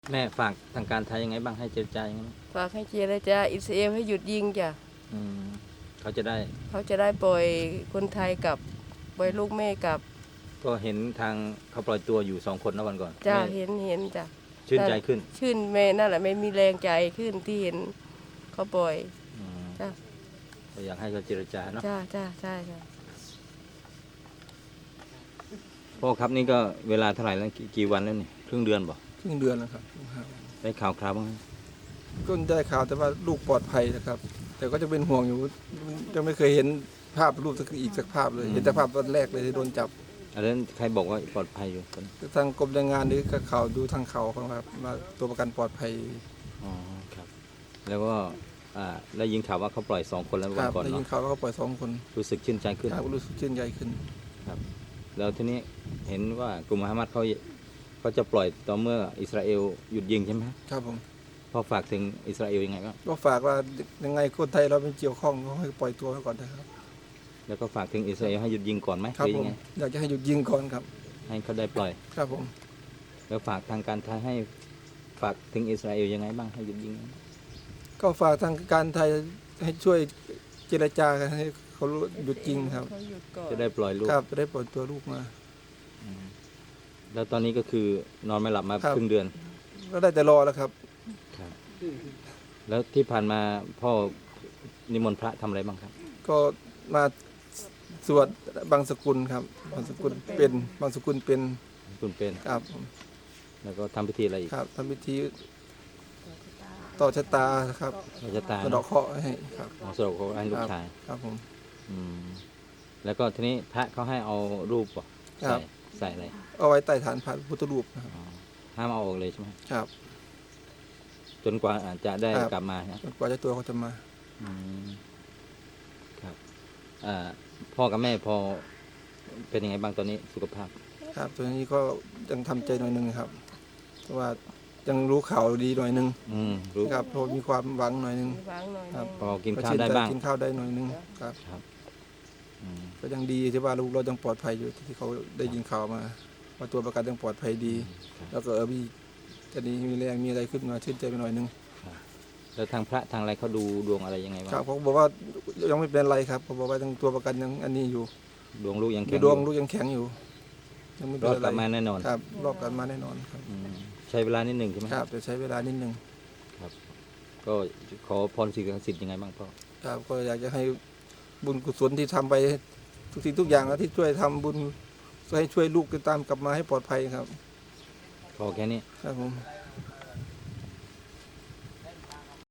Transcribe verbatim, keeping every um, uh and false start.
แม่ฝากทางการไทยยังไงบ้างให้เจรจายังไงบ้างฝากให้เจรจาอิสราเอลให้หยุดยิงจ้ะอืมเขาจะได้เขาจะได้ปล่อยคนไทยกับปล่อยลูกแม่กับก็เห็นทางเขาปล่อยตัวอยู่สองคนนะวันก่อนจ้ะแม่เห็นเห็นจ้ะชื่นใจขึ้นชื่นแม่นั่นแหละไม่มีแรงใจขึ้นที่เห็นเขาปล่อยอืมจ้ะก็อยากให้เขาเจรจาเนาะจ้ะจ้ะใช่จ้ะพ่อครับนี่ก็เวลาเท่าไหร่แล้วกี่กี่วันแล้วนี่ครึ่งเดือนบ่ครึ่งเดือนนะครับได้ข่าวคราวบ้างไหมก็ได้ข่าวแต่ว่าลูกปลอดภัยนะครับ แต่ก็จะเป็นห่วงอยู่ยังไม่เคยเห็นภาพรูปสักอีกสักภาพเลยเห็นแต่ภาพตอนแรกเลยที่โดนจับอันนั้นใครบอกว่าปลอดภัยอยู่คนทางกรมแรงงานหรือกับข่าวดูทางข่าวของครับมาตัวประกันปลอดภัยอ๋อครับแล้วก็อ่าได้ยินข่าวว่าเขาปล่อยสองคนแล้วควัรันบก่อนได้ยินเนาะข่าวว่าเขาปล่อยสองคนรู้สึกชื่นใจขึ้นครับรู้สึกชื่นใจขึ้นครับแล้วทีนี้เห็นว่ากลุ่มฮามาสเขาเขาจะปล่อยต่อเมื่ออิสราเอลหยุดยิงใช่ไหมครับผมพอฝากถึงอิสราเอลยังไงบ้างก็ฝากว่ายังไงคนไทยเราเป็นเกี่ยวข้องก็ให้ปล่อยตัวไว้ก่อนนะครับแล้วก็ฝากถึงอิสราเอลให้หยุดยิงก่อนไหมครับหรือผมยังไงอยากจะให้หยุดยิงก่อนครับให้เขาได้ปล่อยครับผมแล้วฝากทางการไทยให้ฝากถึงอิสราเอลยังไงบ้างให้หยุดยิงก็ฝากทางการไทยให้ช่วยเจรจากันให้เขาหยุดยิงครับเขาหยุดก่อนจะได้ปล่อยลูกครับจะได้ปล่อยตัวลูกมาแล้วตอนนี้ก็คือนอนไม่หลับมาครึ่งเดือนก็ได้แต่รอแล้วครับครับแล้วที่ผ่านมาพ่อนิมนต์พระทำอะไรบ้างครับก็มาสวดบางสกุลครับบางสกุลเป็นบางสกุลเป็นคุณเป็นครับแล้วก็ทำพิธีอะไรอีกครับทำพิธีต่อชะตาครับต่อชะตาสะเดาะเคราะห์ให้ครับสะเดาะเคราะห์ให้ลูกชายครับผมอืมแล้วก็ทีนี้พระเขาให้เอารูปใส่ใส่อะไรเอาไว้ใต้ฐานพระพุทธรูปนะครับห้ามเอาออกเลยใช่ไหมครับจนกว่าอาจจะได้กลับมาจนกว่าเจ้าตัวเขาจะมาครับพ่อกับแม่พอเป็นยังไงบ้างตอนนี้สุขภาพครับตอนนี้ก็ยังทำใจหน่อยนึงครับเพราะว่ายังรู้ข่าวดีหน่อยนึงรู้ครับพอมีความหวังหน่อยนึงครับพอกินข้าวได้บ้างกินข้าวได้หน่อยนึงครับก็ยังดีที่ว่าลูกเรายังปลอดภัยอยู่ที่เขาได้ยินข่าวมาว่าตัวประกันยังปลอดภัยดีแล้วก็เออพี่จะนี้มีแรงมีอะไรขึ้นมาชื่นใจไปหน่อยนึงแล้วทางพระทางอะไรเขาดูดวงอะไรยังไงบ้างครับเขาบอกว่ายังไม่เป็นไรครับเขาบอกว่าทางตัวประกันยังอันนี้อยู่ดวงลูกยังแข็งดวงลูกยังแข็งอยู่ยังไม่เป็นไรรอดกลับมาแน่นอนครับรอดกลับมาแน่นอนครับใช้เวลานิดหนึ่งใช่ไหมครับจะใช้เวลานิดหนึ่งครับก็ขอพรสิ่งศักดิ์สิทธิ์ยังไงบ้างพ่อครับก็อยากจะให้บุญกุศลที่ทำไปทุกสิ่งทุกอย่างแล้วที่ช่วยทำบุญให้ช่วยลูกตามกลับมาให้ปลอดภัยครับพอแค่นี้ครับผม